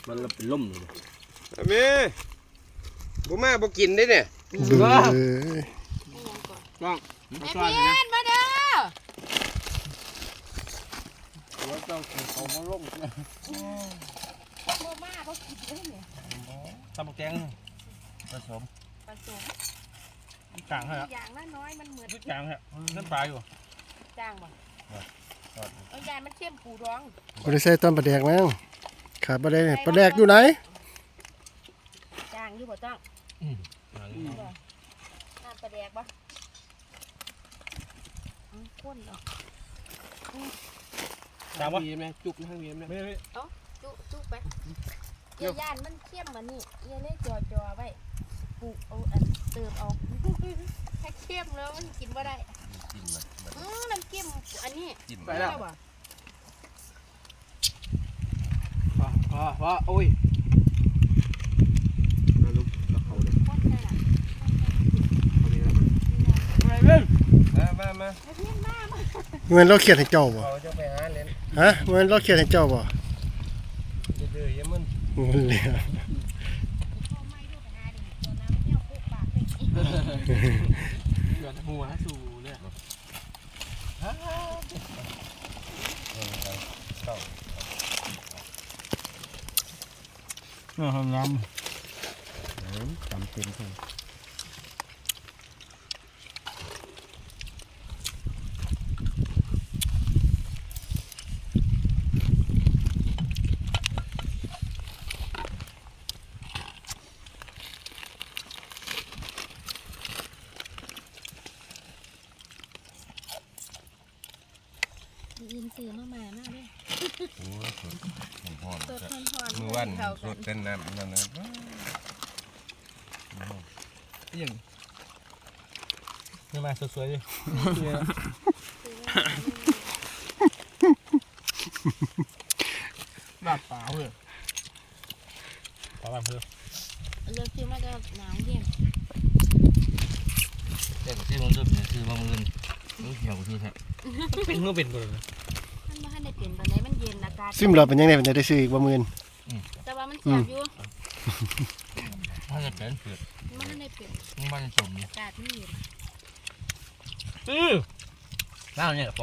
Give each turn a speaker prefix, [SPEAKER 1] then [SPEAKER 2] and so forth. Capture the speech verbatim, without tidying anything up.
[SPEAKER 1] มันเป็นล่มเลย
[SPEAKER 2] แม่บุมาบุกินได้เนี่ย
[SPEAKER 3] เบ้อ
[SPEAKER 1] ต้อง
[SPEAKER 4] แม่เพี้ยนมาเด้อ
[SPEAKER 1] ว่าต้องเขามาล่มนะ
[SPEAKER 4] โมมาเขากินได้เนี่ย
[SPEAKER 1] ตำแกงผสม
[SPEAKER 4] ผสม
[SPEAKER 1] จางฮะ
[SPEAKER 4] อย่างละน้อยมันเหมือน
[SPEAKER 1] จางฮะน้ำปลาอยู่
[SPEAKER 4] จางบ่เอายายมันเข้มปูร้อง
[SPEAKER 3] บริษัทต้นปลาแดกมั้งขาดปลาแดกปลาแดกอยู่ไหน
[SPEAKER 4] จางอยู่บ่ต้องน้ำปลาแดกบ่ข้นเนาะ
[SPEAKER 1] จางวะมีไหมจุกทางนี้ไหมไม่ไม่
[SPEAKER 4] จุจุไปเยี่ยย่านมันเข้มมานี่เยี่ยเล่จอจอไว้ปูเอาอันเติมเอาถ้าเข้มแล้วมันกินบ่ได้อืมน้ำจิ้มอันนี้
[SPEAKER 1] ไปแล้ว
[SPEAKER 4] บ่
[SPEAKER 1] พอพอพอโอ้ยมาลุกกับเขาเลย
[SPEAKER 4] ข้นได้ล่ะ
[SPEAKER 1] มาเล่น
[SPEAKER 2] มามามา
[SPEAKER 4] แม่เพี้ยนมามา
[SPEAKER 3] เงินเราเขียนให้เจ้าบ่
[SPEAKER 2] เขาจะไปหาเล่น
[SPEAKER 3] ฮะเงินเราเขียนให้เจ้าบ่
[SPEAKER 2] ดื้อๆยังมัน
[SPEAKER 3] เงินเหลือ
[SPEAKER 4] พ่อไม่ดูไปหาดิตัวน้ำเที่ยวปุ๊บปากเลย
[SPEAKER 1] เดือดหัวสู่เลย เออน้ำจำเป็นใช่
[SPEAKER 4] ยินสื่อมาใหม่มากเลย
[SPEAKER 2] โอ้ยสดหอม
[SPEAKER 4] สดทอนทอน
[SPEAKER 2] มือวัน
[SPEAKER 4] เข้า
[SPEAKER 2] ส
[SPEAKER 4] กั
[SPEAKER 2] ด
[SPEAKER 4] น
[SPEAKER 2] เป็นน้ำนั่นนะ
[SPEAKER 1] ยังนี่มาสวยๆดิลาดปลาเพื่อปลาเพื่อ
[SPEAKER 4] เลือกซื้อมาจะหนาวเย็น
[SPEAKER 1] แต่ที่มันเริ่มเนี่ยคือว่ามันรู้เหี่ยวคือแท้เป็นเมื่อเป็นก่อนเลย
[SPEAKER 4] มันมาให้ในเปลี่ยนตอนไหนมันเย็นอากาศ
[SPEAKER 3] ซิมเราเป็นยังไงเป็นจะได้ซื้ออีกบ่หมื่น
[SPEAKER 4] แต่ว่ามันแสบอยู่
[SPEAKER 1] ถ้าจะเป็นเผือก
[SPEAKER 4] มันให้ในเปลี่ยน
[SPEAKER 1] มันสม
[SPEAKER 4] อากาศมันเย็น
[SPEAKER 1] อือน้าเนี่ย